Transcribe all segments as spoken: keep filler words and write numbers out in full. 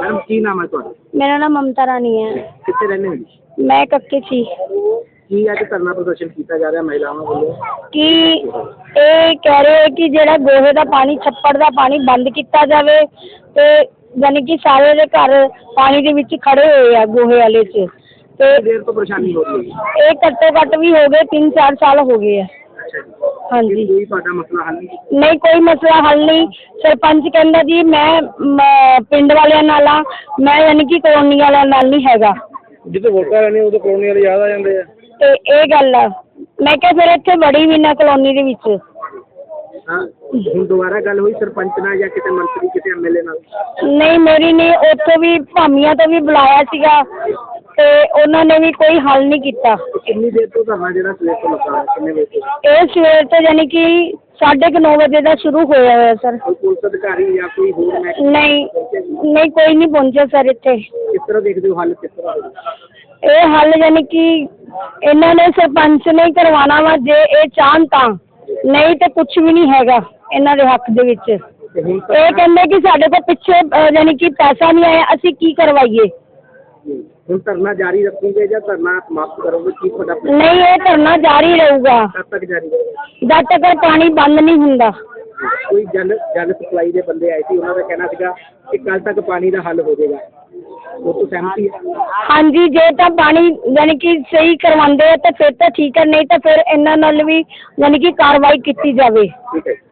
Madam की नाम है ਤੁਹਾਡਾ? मेरा नाम ममता रानी है। ਕਿੱਥੇ ਰਹਿੰਦੇ ਹੋ ਜੀ? मैं कक्के सी ਕੀ ਅੱਜ ਧਰਨਾ ਪ੍ਰਦਰਸ਼ਨ ਕੀਤਾ ਜਾ ਰਿਹਾ ਮਹਿਲਾਵਾਂ ਵੱਲੋਂ? कि ਇਹ ਕਹਿ ਰਹੇ ਕਿ ਜਿਹੜਾ ਗੋਹੇ ਦਾ ਪਾਣੀ ਛੱਪੜ ਦਾ ਪਾਣੀ ਬੰਦ ਕੀਤਾ ਜਾਵੇ ਤੇ ਯਾਨੀ ਕਿ ਸਾਰੇ ਦੇ ਘਰ ਪਾਣੀ ਦੇ ਵਿੱਚ ਖੜੇ ਹੋਏ ਆ ਗੋਹੇ ਵਾਲੇ 'ਚ ਤੇ ਦੇਰ ਤੋਂ ਪਰੇਸ਼ਾਨੀ ਹੋ ਰਹੀ ਹੈ? ਇਹ ਘੱਟੋ ਘੱਟ ਵੀ ਹੋ ਗਏ ਤਿੰਨ ਚਾਰ ਸਾਲ ਹੋ ਗਏ ਆ। ਅੱਛਾ ਜੀ। ਹਾਂਜੀ ਕੋਈ ਤੁਹਾਡਾ ਮਸਲਾ ਹੱਲ ਨਹੀਂ ਕੀਤਾ? ਨਹੀਂ ਕੋਈ ਮਸਲਾ ਹੱਲ ਨਹੀਂ। ਸਰਪੰਚ ਕਹਿੰਦਾ ਜੀ ਮੈਂ ਮ, ਪਿੰਡ ਵਾਲਿਆਂ ਨਾਲ ਆ, ਮੈਂ ਯਾਨੀ ਕਿ ਕਲੋਨੀ ਵਾਲਿਆਂ ਨਾਲ ਨਹੀਂ ਹੈਗਾ। ਜਿੱਥੇ ਵੋਟਾਂ ਲੈਣੇ ਉਦੋਂ ਕਲੋਨੀ ਵਾਲੇ ਯਾਦ ਆ ਜਾਂਦੇ ਆ। ਤੇ ਇਹ ਗੱਲ ਆ, ਮੈਂ ਕਿਹਾ ਫਿਰ ਇੱਥੇ ਬੜੀ ਵੀ ਨਾ ਕਲੋਨੀ ਦੇ ਵਿੱਚ। ਹਾਂ ਹੁਣ ਦੁਬਾਰਾ ਗੱਲ ਹੋਈ ਸਰਪੰਚ ਨਾਲ ਜਾਂ ਕਿਸੇ ਮੰਤਰੀ ਕਿਸੇ ਐਮਐਲਏ ਨਾਲ? ਨਹੀਂ ਮੇਰੀ ਨਹੀਂ, ਉੱਥੋਂ ਵੀ ਭਾਮੀਆਂ ਤੋਂ ਵੀ ਬੁਲਾਇਆ ਸੀਗਾ ਤੇ ਉਹਨਾਂ ਨੇ ਵੀ ਕੋਈ ਹੱਲ ਨਹੀਂ ਕੀਤਾ। ਕਿੰਨੀ ਦੇਰ ਤੋਂ ਧਰਨਾ ਜਿਹੜਾ ਸਵੇਰ ਤੋਂ ਲੱਗਾ ਹੋਇਆ, ਕਿੰਨੇ ਵਜੇ ਤੋਂ? ਇਹ ਸਵੇਰ ਤੋਂ ਯਾਨੀ ਕਿ ਸਾਢੇ ਕੁ ਨੌ ਵਜੇ ਦਾ ਸ਼ੁਰੂ ਹੋਇਆ ਹੋਇਆ ਸਰ। ਕੋਈ ਪੁਲਿਸ ਅਧਿਕਾਰੀ ਜਾਂ ਕੋਈ ਹੋਰ ਮੈਂ ਨਹੀਂ ਨਹੀਂ ਕੋਈ ਨਹੀਂ ਪਹੁੰਚਿਆ ਸਰ ਇੱਥੇ। ਕਿਸ ਤਰ੍ਹਾਂ ਦੇਖਦੇ ਹੋ ਹੱਲ ਕਿਸ ਤਰ੍ਹਾਂ ਹੋਊਗਾ? ਇਹ ਹੱਲ ਯਾਨੀ ਕਿ ਇਹਨਾਂ ਨੇ ਸਰਪੰਚ ਨੇ ਹੀ ਕਰਵਾਉਣਾ ਵਾ ਜੇ ਇਹ ਚਾਹਣ ਤਾਂ, ਨਹੀਂ ਤੇ ਕੁਝ ਵੀ ਨਹੀਂ ਹੈਗਾ ਇਹਨਾਂ ਦੇ ਹੱਕ ਦੇ ਵਿੱਚ। ਤੇ ਹੁਣ ਇਹ ਕਹਿੰਦੇ ਕਿ ਸਾਡੇ ਕੋਲ ਪਿੱਛੇ ਅ, ਯਾਨੀ ਕਿ ਪੈਸਾ ਨਹੀਂ ਆਇਆ, ਅਸੀਂ ਕੀ ਕਰਵਾਈਏ। ਹੁਣ ਧਰਨਾ ਜਾਰੀ ਰੱਖੋਗੇ ਜਾਂ ਧਰਨਾ ਸਮਾਪਤ ਕਰੋਗੇ? ਕੀ ਤੁਹਾਡਾ ਨਹੀਂ ਇਹ ਧਰਨਾ ਜਾਰੀ ਰਹੂਗਾ ਕਦ ਤੱਕ ਜਾਰੀ ਰਹੇਗਾ? ਜਦ ਤੱਕ ਪਾਣੀ ਬੰਦ ਨਹੀਂ ਹੁੰਦਾ। ਕੋਈ ਜਲ ਜਲ ਸਪਲਾਈ ਦੇ ਬੰਦੇ ਆਏ ਸੀ, ਉਹਨਾਂ ਦਾ ਕਹਿਣਾ ਸੀਗਾ ਕਿ ਕੱਲ ਤੱਕ ਪਾਣੀ ਦਾ ਹੱਲ ਹੋ ਜਾਏਗਾ, ਉਹ ਤੋਂ ਸਹਿਮਤੀ ਹੈ? ਹਾਂਜੀ ਜੇ ਤਾਂ ਪਾਣੀ ਯਾਨੀ ਕਿ ਸਹੀ ਕਰਵਾਉਂਦੇ ਆ ਤਾਂ ਫਿਰ ਤਾਂ ਠੀਕ ਹੈ, ਨਹੀਂ ਤਾਂ ਫਿਰ ਇਹਨਾਂ ਨਾਲ ਵੀ ਯਾਨੀ ਕਿ ਕਾਰਵਾਈ ਕੀਤੀ ਜਾਵੇ। ਠੀਕ ਹੈ।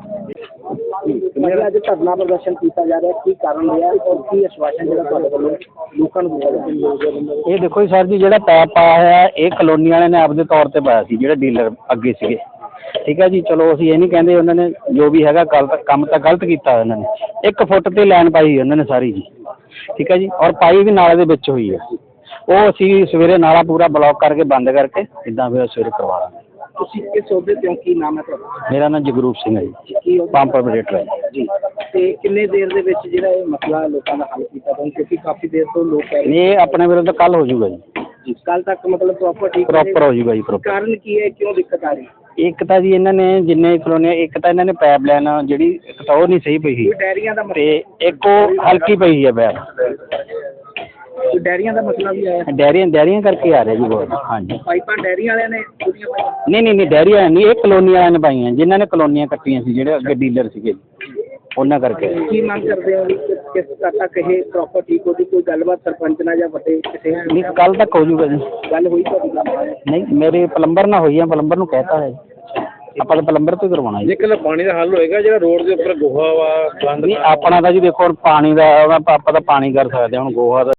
ਮੇਰਾ ਅੱਜ ਧਰਨਾ ਪ੍ਰਦਰਸ਼ਨ ਕੀਤਾ ਜਾ ਰਿਹਾ, ਕੀ ਕਾਰਨ ਰਿਹਾ ਔਰ ਕੀ ਆਸ਼ਵਾਸਨ ਜਿਹੜਾ ਤੁਹਾਡੇ ਵੱਲੋਂ ਲੋਕਾਂ ਨੂੰ ਦਿੱਤਾ ਜਾ ਰਿਹਾ? ਇਹ ਦੇਖੋ ਜੀ ਸਰ ਜੀ, ਜਿਹੜਾ ਪੈਪ ਪਾਇਆ ਹੋਇਆ ਇਹ ਕਲੋਨੀ ਵਾਲਿਆਂ ਨੇ ਆਪਦੇ ਤੌਰ ਤੇ ਪਾਇਆ ਸੀ, ਜਿਹੜੇ ਡੀਲਰ ਅੱਗੇ ਸੀਗੇ। ਠੀਕ ਹੈ ਜੀ, ਚਲੋ ਅਸੀਂ ਇਹ ਨਹੀਂ ਕਹਿੰਦੇ, ਉਹਨਾਂ ਨੇ ਜੋ ਵੀ ਹੈਗਾ ਗਲਤ ਕੰਮ ਤਾਂ ਗਲਤ ਕੀਤਾ ਉਹਨਾਂ ਨੇ। ਇੱਕ ਫੁੱਟ ਤੇ ਲਾਈਨ ਪਾਈ ਉਹਨਾਂ ਨੇ ਸਾਰੀ ਜੀ। ਠੀਕ ਹੈ ਜੀ, ਔਰ ਪਾਈ ਵੀ ਨਾਲੇ ਦੇ ਵਿੱਚ ਹੋਈ ਹੈ। ਉਹ ਅਸੀਂ ਸਵੇਰੇ ਨਾਲਾ ਪੂਰਾ ਬਲੌਕ ਕਰਕੇ ਬੰਦ ਕਰਕੇ ਇੱਦਾਂ ਫਿਰ ਸਵੇਰੇ ਕਰਵਾ ਦਾਂਗੇ। ਤੁਸੀਂ ਕਿਸ ਅਹੁਦੇ ਤੇ ਹੋ, ਕੀ ਨਾਮ ਹੈ ਤੁਹਾਡਾ? ਮੇਰਾ ਨਾਮ ਜਗਰੂਪ ਸਿੰਘ ਹੈ ਜੀ, ਕੀ ਹੋ ਪੰਪ ਆਪਰੇਟਰ ਹੈ ਜੀ। ਤੇ ਕਿੰਨੇ ਦੇਰ ਦੇ ਵਿੱਚ ਜਿਹੜਾ ਇਹ ਮਸਲਾ ਲੋਕਾਂ ਦਾ ਹੱਲ ਕੀਤਾ ਜਾਊ, ਕਿਉਂਕਿ ਕਾਫੀ ਦੇਰ ਤੋਂ ਲੋਕ ਕਹਿ ਰਹੇ ਇਹ ਆਪਣੇ ਵੱਲੋਂ ਤਾਂ ਕੱਲ ਹੋ ਜਾਊਗਾ ਜੀ, ਜੀ ਕੱਲ ਤੱਕ ਮਤਲਬ ਪ੍ਰੋਪਰ ਠੀਕ ਪ੍ਰੋਪਰ ਹੋ ਜਾਊਗਾ ਜੀ ਪ੍ਰੋਪਰ। ਕਾਰਨ ਕੀ ਹੈ, ਕਿਉਂ ਦਿੱਕਤ ਆ ਰਹੀ? ਇੱਕ ਤਾਂ ਜੀ ਇਹਨਾਂ ਨੇ ਜਿੰਨੇ ਕਲੋਨੀ, ਇੱਕ ਤਾਂ ਇਹਨਾਂ ਨੇ ਪਾਈਪ ਲਾਈਨ ਜਿਹੜੀ ਇੱਕ ਤਾਂ ਉਹ ਨਹੀਂ ਸਹੀ ਪਈ ਸੀ ਕੋਈ ਡੈਰੀਆਂ ਦਾ ਤੇ ਮਸਲਾ, ਇੱਕ ਉਹ ਹਲਕੀ ਪਈ ਹੈ ਪੈਪ। ਕੋਈ ਡੈਰੀਆਂ ਦਾ ਮਸਲਾ ਵੀ ਆਇਆ? ਡੈਰੀਆਂ ਡੈਰੀਆਂ ਕਰਕੇ ਆ ਰਿਹਾ ਜੀ ਬਹੁਤ। ਹਾਂਜੀ ਪਾਈਪਾਂ ਡੈਰੀਆਂ ਵਾਲਿਆਂ ਨੇ ਪੂਰੀਆਂ ਪਾਈਆਂ? ਨਹੀਂ ਨਹੀਂ ਨਹੀਂ ਡੈਰੀ ਵਾਲਿਆਂ ਨਹੀਂ, ਇਹ ਕਲੋਨੀ ਵਾਲਿਆਂ ਨੇ ਪਾਈਆਂ, ਜਿਨ੍ਹਾਂ ਨੇ ਕਲੋਨੀਆਂ ਕੱਟੀਆਂ ਸੀ, ਜਿਹੜੇ ਅੱਗੇ ਡੀਲਰ ਸੀਗੇ ਉਹਨਾਂ ਕਰਕੇ। ਕੀ ਮੰਗ ਕਰਦੇ ਹੋ ਵੀ ਕਿ- ਕਿਸ ਤੱਕ ਤੱਕ ਇਹ ਪ੍ਰੋਪਰ ਠੀਕ ਹੋ ਜੂ? ਕੋਈ ਗੱਲਬਾਤ ਸਰਪੰਚ ਨਾਲ ਜਾਂ ਵੱਡੇ ਕਿਸੇ ਨਾਲ ਨਹੀਂ ਕੱਲ ਤੱਕ ਹੋ ਜਾਊਗਾ ਜੀ। ਗੱਲ ਹੋਈ ਤੁਹਾਡੀ ਗੱਲ? ਨਹੀਂ ਮੇਰੇ ਪਲੰਬਰ ਨਾਲ ਹੋਈ ਆ, ਪਲੰਬਰ ਨੂੰ ਕਹਿਤਾ ਹੈ ਆਪਾਂ ਤਾਂ ਪਲੰਬਰ ਤੋਂ ਹੀ ਕਰਵਾਉਣਾ ਜੀ। ਜੇਕਰ ਪਾਣੀ ਦਾ ਹੱਲ ਹੋਏਗਾ, ਜਿਹੜਾ ਰੋਡ ਦੇ ਉੱਪਰ ਗੋਹਾ ਵਾ ਬੰਦ ਨਹੀਂ ਆਪਣਾ ਤਾਂ ਜੀ ਦੇਖੋ ਹੁਣ ਪਾਣੀ ਦਾ ਆਪਾਂ ਤਾਂ ਪਾਣੀ ਕਰ ਸਕਦੇ ਹਾਂ, ਹੁਣ ਗੋਹਾ ਦਾ